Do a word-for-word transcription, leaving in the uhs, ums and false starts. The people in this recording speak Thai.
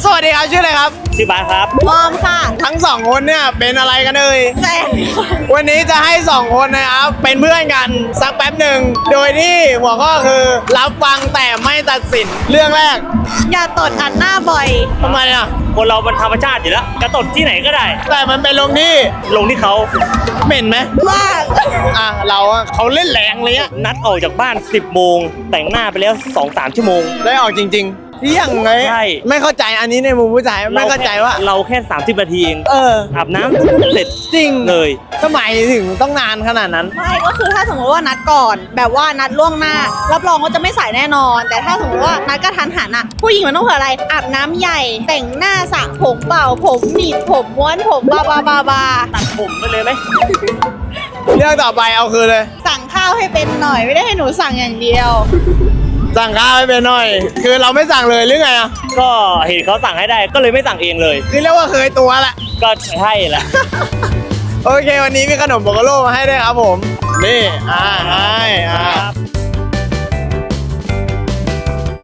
สวัสดีครับชื่ออะไรครับชื่อบาสครับมอมค่ะทั้งสองคนเนี่ยเป็นอะไรกันเอ่ยแฟนวันนี้จะให้สองคนนะครับเป็นเพื่อนกันสักแป๊บหนึ่งโดยที่หัวข้อคือรับฟังแต่ไม่ตัดสินเรื่องแรกอย่าตดอัดหน้าบ่อยทำไมอ่ะคนเรามันธรรมชาติอยู่แล้วกระตดที่ไหนก็ได้แต่มันเป็นลงที่ลงที่เขาเหม็นไหมมากอ่ะเราอะเขาเล่นแรงเลยอะนัดออกจากบ้านสิบโมงแต่งหน้าไปแล้ว สองสาม ชั่วโมงได้ออกจริงๆเที่ยงไงใช่ไม่เข้าใจอันนี้ในมุมผู้ชายไม่เข้าใจว่าเราแค่สามสิบนาทีเองเอออาบน้ำเสร็จจริงเลยทำไมถึงต้องนานขนาดนั้นไม่ก็คือถ้าสมมติว่านัดก่อน แบบว่านัดล่วงหน้า รับรองว่าจะไม่สายแน่นอน แต่ถ้าสมมติว่านัดกระทันหันอะผู้หญิงมันต้องเผื่ออะไรอาบน้ำใหญ่ แต่งหน้าสระผมเป่าผมหนีบผมม้วนผมบาบาบาบาตัดผมไปเลยไหมเรื่องต่อไปเอาคืนเลยสั่งข้าวให้เป็นหน่อยไม่ได้ให้หนูสั่งอย่างเดียวสั่งข้าวให้เป็นหน่อย คือเราไม่สั่งเลยหรือไงอ่ะก็เห็นเขาสั่งให้ได้ก็เลยไม่สั่งเองเลยคือเรียกว่าเคยตัวแหละก็ใช่แหละโอเควันนี้มีขนมโบโกโลมาให้ด้วยครับผม นี่อ่าให้อ